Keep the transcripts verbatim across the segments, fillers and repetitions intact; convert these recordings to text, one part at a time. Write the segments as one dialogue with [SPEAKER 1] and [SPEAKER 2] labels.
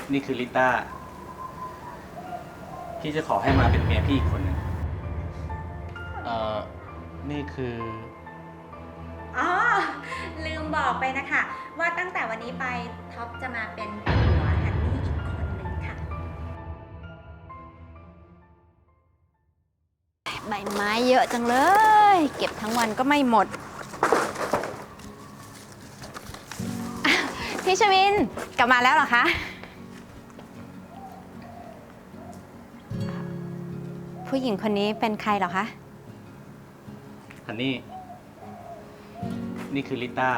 [SPEAKER 1] นี่คือลิต้าพี่จะขอให้มาเป็นเมียพี่อีกคนหนึ่งเอ่อนี่คือ
[SPEAKER 2] อ๋อลืมบอกไปนะคะ ว่าตั้งแต่วันนี้ไปท็อปจะมาเป็นผัวฮันนี่อีกคนนึงค่ะ
[SPEAKER 3] ใบไม้เยอะจังเลย เก็บทั้งวันก็ไม่หมดอ่ะพี่ชวินกลับมาแล้วเหรอคะผู้หญิงคนนี้เป็นใครเหรอคะ
[SPEAKER 1] ฮันนี่นี่คือลิต้า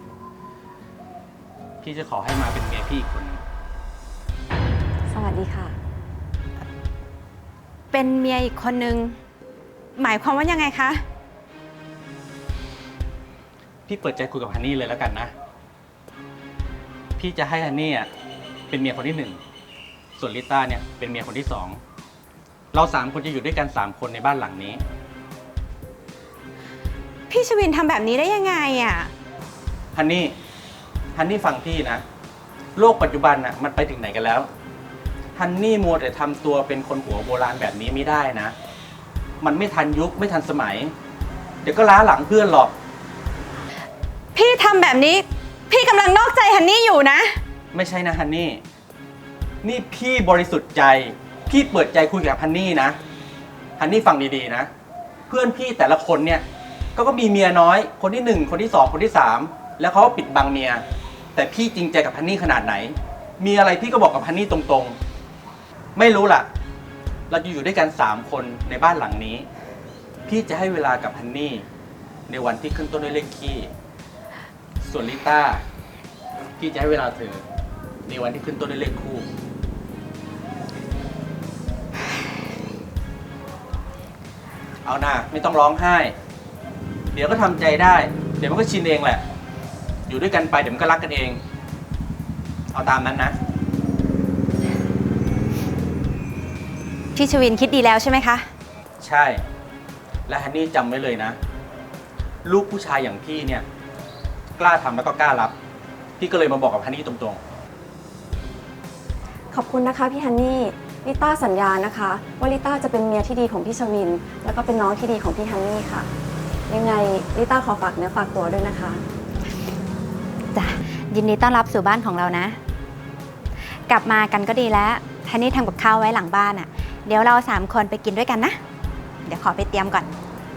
[SPEAKER 1] พี่จะขอให้มาเป็นเมียพี่อีกคนหนึ่ง
[SPEAKER 3] สวัสดีค่ะ เป็นเมียอีกคนนึงหมายความว่ายังไงคะ
[SPEAKER 1] พี่เปิดใจคุยกับฮันนี่เลยแล้วกันนะพี่จะให้ฮันนี่อ่ะเป็นเมียคนที่หนึ่งส่วนลิต้าเนี่ยเป็นเมียคนที่สองเราสามคนจะอยู่ด้วยกันสามคนในบ้านหลังนี้
[SPEAKER 3] พี่ชวินทำแบบนี้ได้ยังไงอ่ะ
[SPEAKER 1] ฮันนี่ฮันนี่ฟังพี่นะโลกปัจจุบันน่ะมันไปถึงไหนกันแล้วฮันนี่มัวแต่ทำตัวเป็นคนหัวโบราณแบบนี้ไม่ได้นะมันไม่ทันยุคไม่ทันสมัยเดี๋ยวก็ล้าหลังเพื่อนหรอก
[SPEAKER 3] พี่ทำแบบนี้พี่กำลังนอกใจฮันนี่อยู่นะ
[SPEAKER 1] ไม่ใช่นะฮันนี่นี่พี่บริสุทธิ์ใจพี่เปิดใจคุยกับฮันนี่นะฮันนี่ฟังดีๆนะเพื่อนพี่แต่ละคนเนี่ยก็ก็มีเมียน้อยคนที่หนึ่งคนที่สองคนที่สามแล้วเขาก็ปิดบังเมียแต่พี่จริงใจกับฮันนี่ขนาดไหนมีอะไรพี่ก็บอกกับฮันนี่ตรงๆไม่รู้ล่ะเราจะอยู่ด้วยกันสามคนในบ้านหลังนี้พี่จะให้เวลากับฮันนี่ในวันที่ขึ้นต้นด้วยเลขคี่ส่วนลิต้าพี่จะให้เวลาเธอในวันที่ขึ้นต้นด้วยเลขคู่เอาหน้าไม่ต้องร้องไห้เดี๋ยวก็ทำใจได้เดี๋ยวมันก็ชินเองแหละอยู่ด้วยกันไปเดี๋ยวมันก็รักกันเองเอาตามนั้นนะ
[SPEAKER 3] พี่ชวินคิดดีแล้วใช่ไหมคะ
[SPEAKER 1] ใช่และฮันนี่จำไว้เลยนะลูกผู้ชายอย่างพี่เนี่ยกล้าทำแล้วก็กล้ารับพี่ก็เลยมาบอกกับฮันนี่ตรง
[SPEAKER 4] ๆขอบคุณนะคะพี่ฮันนี่ลิต้าสัญญานะคะว่าลิต้าจะเป็นเมียที่ดีของพี่ชวินแล้วก็เป็นน้องที่ดีของพี่ฮันนี่ค่ะยังไงลิต้าขอฝากเนื้อฝากตัวด้วยนะคะ
[SPEAKER 3] จ้ะยินดีต้อนรับสู่บ้านของเรานะกลับมากันก็ดีแล้วฮันนี่ทำกับข้าวไว้หลังบ้านอ่ะเดี๋ยวเราสามคนไปกินด้วยกันนะเดี๋ยวขอไปเตรียมก่อน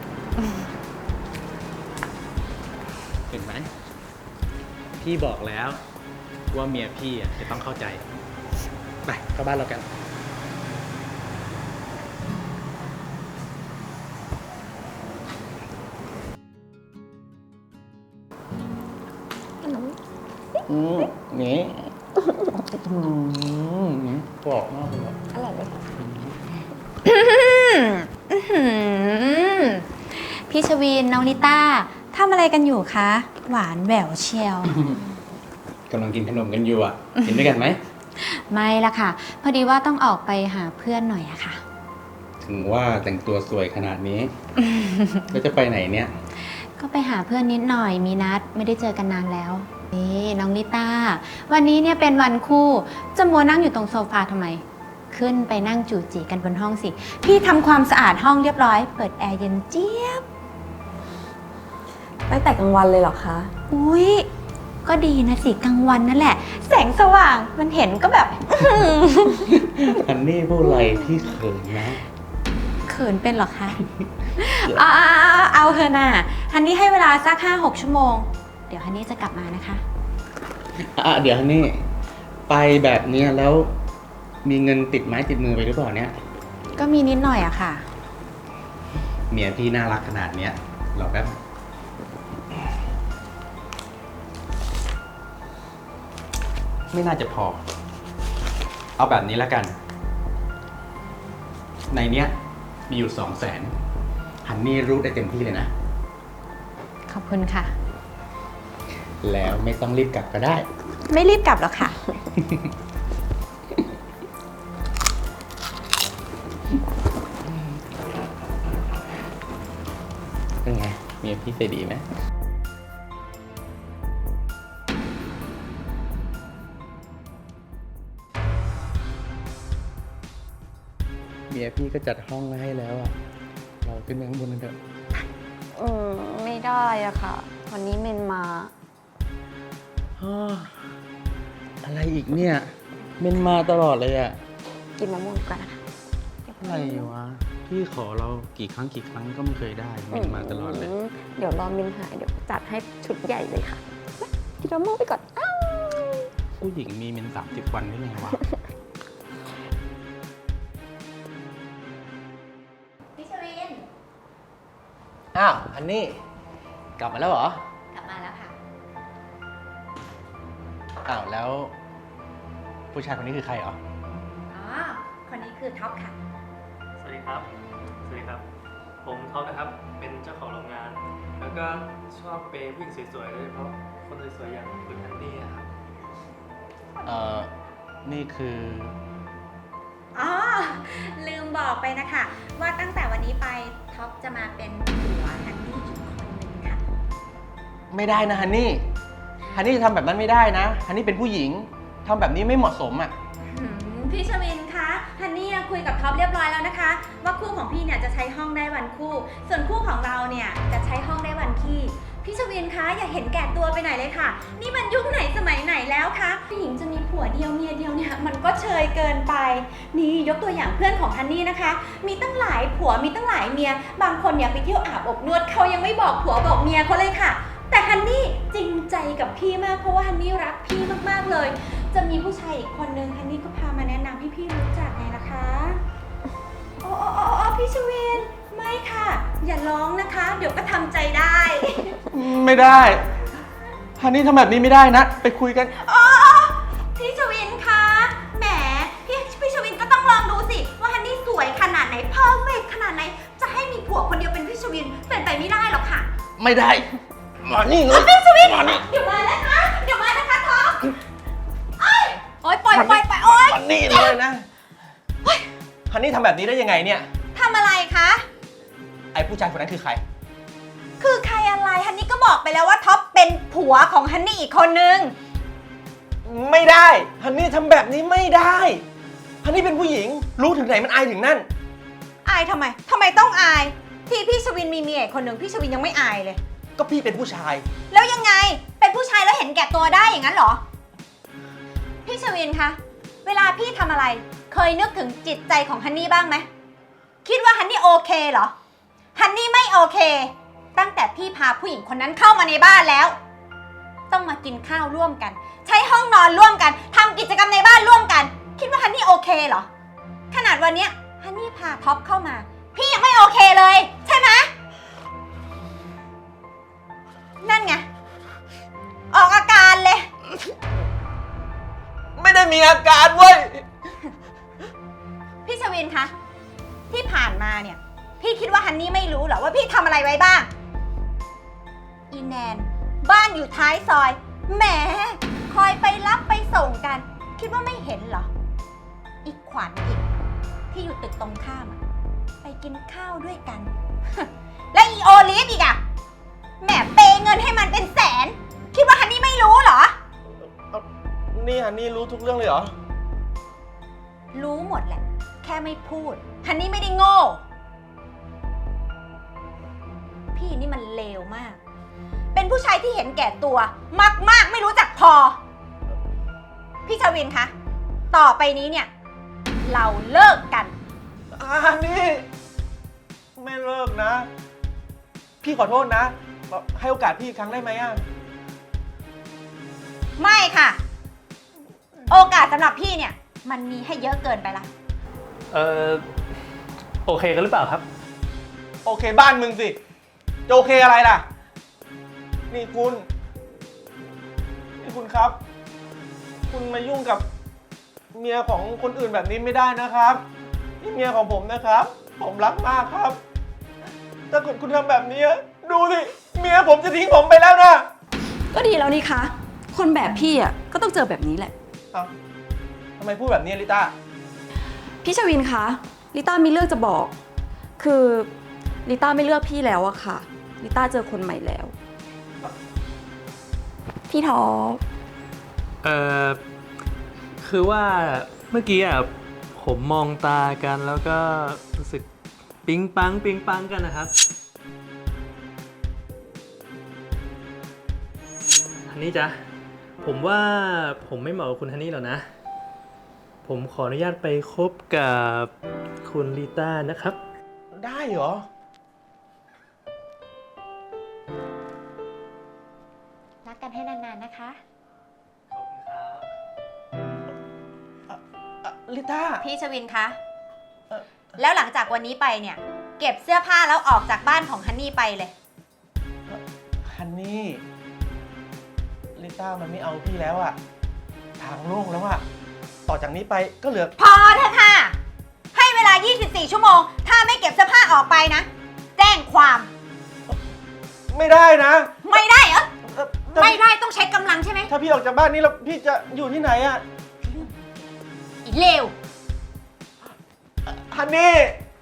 [SPEAKER 1] เห็นไหมพี่บอกแล้วว่าเมียพี่อ่ะจะต้องเข้าใจไปเข้าบ้านเรากันอืมนี่อืมกรอบมากเลย
[SPEAKER 4] อร่อยไหมคะ
[SPEAKER 3] พี่ชวินน้องลิต้าทำอะไรกันอยู่คะหวานแหววเชียว
[SPEAKER 1] กำลังกินขนมกันอยู่อ่ะกินด้วยกันไหม
[SPEAKER 3] ไม่ละค่ะพอดีว่าต้องออกไปหาเพื่อนหน่อยอะค่ะ
[SPEAKER 1] ถึงว่าแต่งตัวสวยขนาดนี้แล้วจะไปไหนเนี่ย
[SPEAKER 3] ก็ไปหาเพื่อนนิดหน่อยมีนัดไม่ได้เจอกันนานแล้วนี่น้องลิต้าวันนี้เนี่ยเป็นวันคู่จะมัวนั่งอยู่ตรงโซฟาทำไมขึ้นไปนั่งจู่จีกันบนห้องสิพี่ทำความสะอาดห้องเรียบร้อยเปิดแอร์เย็นเจี๊ยบ
[SPEAKER 4] ตั้งแต่กลางวันเลยเหรอคะ
[SPEAKER 3] อุ้ยก็ดีนะสิกลางวันนั่นแหละแสงสว่างมันเห็นก็แบบ
[SPEAKER 1] อันนี้พูดอะไรที่เขินนะ
[SPEAKER 3] เขินเป็นหรอคะเอาเอาเอาเถอะน่ะฮันนี่ให้เวลาสักห้าหกชั่วโมงเดี๋ยวฮันนี่จะกลับมานะคะ
[SPEAKER 1] อ่ะเดี๋ยวฮันนี่ไปแบบนี้แล้วมีเงินติดไม้ติดมือไปหรือเปล่าเนี่ย
[SPEAKER 3] ก็มีนิดหน่อยอะค่ะ
[SPEAKER 1] เมียพี่น่ารักขนาดเนี้ยรอแป๊บไม่น่าจะพอเอาแบบนี้แล้วกันในเนี้ยมีอยู่สองแสนฮันนี่รู้ได้เต็มที่เลยนะ
[SPEAKER 3] ขอบคุณค่ะ
[SPEAKER 1] แล้วไม่ต้องรีบกลับก็ได้
[SPEAKER 3] ไม่รีบกลับหรอกค่ะ
[SPEAKER 1] เป็นไงเมียพี่ใจดีไหมมียพี่ก็จัดห้องไว้ให้แล้วอะเราขึ้นไปข้างบนกันเถอะ
[SPEAKER 4] อืมไม่ได้อะค่ะ วันนี้เมนมา
[SPEAKER 1] อ้ออะไรอีกเนี่ยเมนมาตลอดเลยอะ
[SPEAKER 4] กินมะม่วงดีกว่านะคะ
[SPEAKER 1] อะไรวะพี่ขอเรากี่ครั้งกี่ครั้งก็ไม่เคยได้เมนมาตลอดเลย
[SPEAKER 4] มเดี๋ยวรอเมนหายเดี๋ยวจัดให้ชุดใหญ่เลยค่ะกินมะม่วงไปก่อนอ้าว
[SPEAKER 1] ผู้หญิงมีเมนสามสิบวันได้ไงวะ
[SPEAKER 2] พี่ชวิน
[SPEAKER 1] อ้าวอันนี้กลับมาแล้วเหรอ
[SPEAKER 2] กลับมาแล้วค่ะ
[SPEAKER 1] อ้าวแล้ว ผู้ชายคนนี้คือใครเหรอ
[SPEAKER 2] อ๋อ คนนี้คือท็อปค่ะ
[SPEAKER 5] สวัสดีครับ สวัสดีครับ ผมท็อปนะครับ เป็นเจ้าของโรงงาน แล้วก็ชอบเปย์ผู้หญิงสวยๆโดยเฉพาะคนสวยๆอย่างคุณฮันนี่อะครับ
[SPEAKER 1] เอ่อ นี่คือ
[SPEAKER 2] อ๋อ ลืมบอกไปนะคะ ว่าตั้งแต่วันนี้ไปท็อปจะมาเป็นผัวฮันนี่อีกคนหนึ่งค่ะ
[SPEAKER 1] ไม่ได้นะฮันนี่ ฮันนี่จะทำแบบนั้นไม่ได้นะ ฮันนี่เป็นผู้หญิงทำแบบนี้ไม่เหมาะสมอ่ะ
[SPEAKER 2] หืมพี่ชวินคะฮันนี่คุยกับท็อปเรียบร้อยแล้วนะคะ ว่าคู่ของพี่เนี่ยจะใช้ห้องได้วันคู่ ส่วนคู่ของเราเนี่ยจะใช้ห้องได้วันขี้พี่ชวินคะอย่าเห็นแก่ตัวไปไหนเลยค่ะ นี่มันยุคไหนสมัยไหนแล้วคะผู้หญิงจะมีผัวเดียวเมียเดียวเนี่ยมันก็เชยเกินไป นี่ยกตัวอย่างเพื่อนของฮันนี่นะคะ มีตั้งหลายผัวมีตั้งหลายเมีย บางคนเนี่ยไปเที่ยวอาบอบนวดเขายังไม่บอกผัวบอกเมียเขาเลยค่ะ แต่ฮันนี่จริงใจกับพี่มากเพราะว่าฮันนี่รักพี่มากๆเลย จะมีผู้ชายอีกคนนึงฮันนี่ก็พามาแนะนำให้พี่รู้จักไงนะคะโอ้โอ้โอ้โอ้พี่ชวินไม่ค่ะ อย่าร้องนะคะ เดี๋ยวก็ทำใจได้
[SPEAKER 1] ไม่ได้ ฮันนี่ทำแบบนี้ไม่ได้นะ ไปคุยกัน
[SPEAKER 2] โอ้พี่ชวินคะแหมพี่พี่ชวินก็ต้องลองดูสิว่าฮันนี่สวยขนาดไหนเพอร์เฟกขนาดไหนจะให้มีผัวคนเดียวเป็นพี่ชวินเป็นไปไม่ได้หรอกค่ะ
[SPEAKER 1] ไม่ได้ มานี่เลย
[SPEAKER 2] พี่ชวิน
[SPEAKER 1] มานี่
[SPEAKER 2] เดี๋ยวมานะคะเดี๋ยวมานะคะท็อปโอ๊ยโอ๊ยปล่อยปล่อยปล่อยโอ๊ย
[SPEAKER 1] มานี่เลยนะ ฮันนี่ทำแบบนี้ได้ยังไงเนี่ย
[SPEAKER 2] ทำอะไรคะ
[SPEAKER 1] ไอ้ผู้ชายคนนั้นคือใคร
[SPEAKER 2] คือใครอะไรฮันนี่ก็บอกไปแล้วว่าท็อปเป็นผัวของฮันนี่อีกคนนึง
[SPEAKER 1] ไม่ได้ ฮันนี่ทำแบบนี้ไม่ได้ ฮันนี่เป็นผู้หญิง รู้ถึงไหนมันอายถึงนั่น
[SPEAKER 2] อายทำไมทำไมต้องอาย ที่พี่ชวินมีเมียอีกคนนึงพี่ชวินยังไม่อายเลย
[SPEAKER 1] ก็พี่เป็นผู้ชาย
[SPEAKER 2] แล้วยังไง เป็นผู้ชายแล้วเห็นแก่ตัวได้อย่างนั้นเหรอ พี่ชวินคะ เวลาพี่ทำอะไร เคยนึกถึงจิตใจของฮันนี่บ้างไหม คิดว่าฮันนี่โอเคเหรอ ฮันนี่ไม่โอเค ตั้งแต่พี่พาผู้หญิงคนนั้นเข้ามาในบ้านแล้ว ต้องมากินข้าวร่วมกัน ใช้ห้องนอนร่วมกันทำกิจกรรมในบ้านร่วมกัน คิดว่าฮันนี่โอเคเหรอ ขนาดวันเนี้ยฮันนี่พาท็อปเข้ามา พี่ยังไม่โอเคเลย ใช่ไหม นั่นไง ออกอาการเลย
[SPEAKER 1] ไม่ได้มีอาการเว้ย
[SPEAKER 2] พี่ชวินคะ ที่ผ่านมาเนี่ย พี่คิดว่าฮันนี่ไม่รู้เหรอว่าพี่ทำอะไรไว้บ้าง อีแนน บ้านอยู่ท้ายซอย แหม คอยไปรับไปส่งกัน คิดว่าไม่เห็นเหรอ อีกขวัญอีก ที่อยู่ตึกตรงข้ามอะไปกินข้าวด้วยกัน และอีโอลิฟอีกอะแหมเปย์เงินให้มันเป็นแสน คิดว่าฮันนี่ไม่รู้เหรอ
[SPEAKER 1] นี่ฮันนี่รู้ทุกเรื่องเลยเหรอ
[SPEAKER 2] รู้หมดแหละ แค่ไม่พูดฮันนี่ไม่ได้โง่ พี่นี่มันเลวมาก เป็นผู้ชายที่เห็นแก่ตัว มากๆไม่รู้จักพอ พี่ชวินคะ ต่อไปนี้เนี่ย เราเลิกกัน
[SPEAKER 1] ฮันนี่ไม่เลิกนะ พี่ขอโทษนะแบบให้โอกาสพี่อีกครั้งได้ไหมอ่ะ
[SPEAKER 2] ไม่ค่ะ โอกาสสำหรับพี่เนี่ย มันมีให้เยอะเกินไปละ
[SPEAKER 5] เออโอเคกันหรือเปล่าครับ
[SPEAKER 1] โอเคบ้านมึงสิ จะโอเคอะไรล่ะ นี่คุณ นี่คุณครับ คุณมายุ่งกับเมียของคนอื่นแบบนี้ไม่ได้นะครับ นี่เมียของผมนะครับ ผมรักมากครับ ถ้าเกิดคุณทำแบบนี้ ดูสิ เมียผมจะทิ้งผมไปแล้วนะ
[SPEAKER 4] ก็ดีแล้วนี่คะ คนแบบพี่อ่ะก็ต้องเจอแบบนี้แหละ
[SPEAKER 1] เอ้าทำไมพูดแบบนี้ลิต้า
[SPEAKER 4] พี่ชวินคะลิต้ามีเรื่องจะบอก คือลิต้าไม่เลือกพี่แล้วอะค่ะลิต้าเจอคนใหม่แล้ว พี่ท็อป
[SPEAKER 5] เออคือว่าเมื่อกี้อ่ะผมมองตากันแล้วก็รู้สึกปิ๊งปังปิ๊งปังกันนะครับฮันนี่จ๊ะผมว่าผมไม่เหมาะกับคุณฮันนี่หรอกนะผมขออนุญาตไปคบกับคุณลิต้านะครับ
[SPEAKER 1] ได้เหรอ
[SPEAKER 3] รักกันให้นานๆนะคะ
[SPEAKER 5] ขอบคุณครับ
[SPEAKER 1] ลิต้า
[SPEAKER 2] พี่ชวินคะ
[SPEAKER 1] เอ่อ
[SPEAKER 2] แล้วหลังจากวันนี้ไปเนี่ย เก็บเสื้อผ้าแล้วออกจากบ้านของฮันนี่ไปเลย
[SPEAKER 1] ฮันนี่ ลิต้ามันไม่เอาพี่แล้วอะทางโล่งแล้วอะต่อจากนี้ไปก็เหลือ
[SPEAKER 2] พอเถอะค่ะ ให้เวลา ยี่สิบสี่ ชั่วโมง ถ้าไม่เก็บเสื้อผ้าออกไปนะ แจ้งความ
[SPEAKER 1] ไม่ได้นะ
[SPEAKER 2] ไม่ได้เหรอ
[SPEAKER 1] เอ่อถ้า
[SPEAKER 2] ไม่ได้ต้องใช้กำลังใช่ไหม
[SPEAKER 1] ถ้าพี่ออกจากบ้านนี้แล้วพี่จะอยู่ที่ไหนอะ
[SPEAKER 2] อีเลว
[SPEAKER 1] ฮันนี่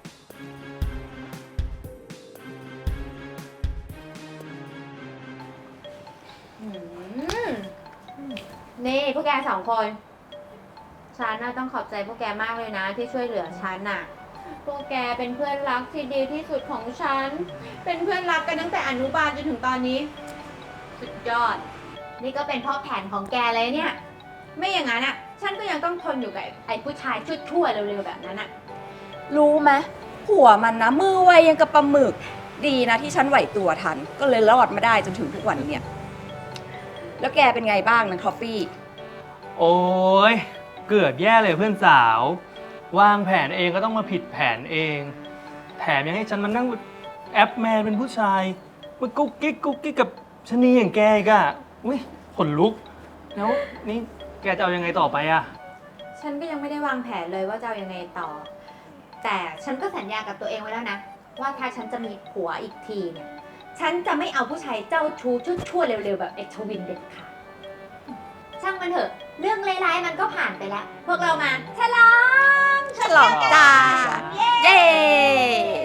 [SPEAKER 3] นี่พวกแกสองคน ฉันน่ะต้องขอบใจพวกแกมากเลยนะ ที่ช่วยเหลือฉันน่ะ พวกแกเป็นเพื่อนรักที่ดีที่สุดของฉัน เป็นเพื่อนรักกันตั้งแต่อนุบาลจนถึงตอนนี้ สุดยอด นี่ก็เป็นเพ่อแผนของแกเลยเนี่ย ไม่อย่างนั้นอ่ะ ฉันก็ยังต้องทนอยู่กับไอ้ผู้ชายชั่วๆเร็วๆแบบนั้นอ่ะ
[SPEAKER 4] รู้ไหมผัวมันนะมือไวยังกับปลาหมึกดีนะที่ฉันไหวตัวทัน ก็เลยรอดมาได้จนถึงทุกวันเนี่ย แล้วแกเป็นไงบ้างนะทอฟฟี่
[SPEAKER 5] โอ้ยเกือบแย่เลยเพื่อนสาว วางแผนเองก็ต้องมาผิดแผนเอง แถมยังให้ฉันมานั่งแอปแมนเป็นผู้ชายมากุ๊กกิ๊กกุ๊กกิ๊กกับชะนีอย่างแกอีกอะอุ้ยขนลุก แล้วนี่แกจะเอายังไงต่อไปอะ
[SPEAKER 3] ฉันก็ยังไม่ได้วางแผนเลยว่าจะเอายังไงต่อ แต่ฉันก็สัญญากับตัวเองไว้แล้วนะ ว่าถ้าฉันจะมีผัวอีกทีเนี่ย ฉันจะไม่เอาผู้ชายเจ้าชู้ชั่วๆเร็วๆแบบเอ็กชวินเด็ดขาดช่างมันเถอะ เรื่องร้ายๆมันก็ผ่านไปแล้ว พวกเรามาฉลอง
[SPEAKER 4] ฉลองจ้า เย้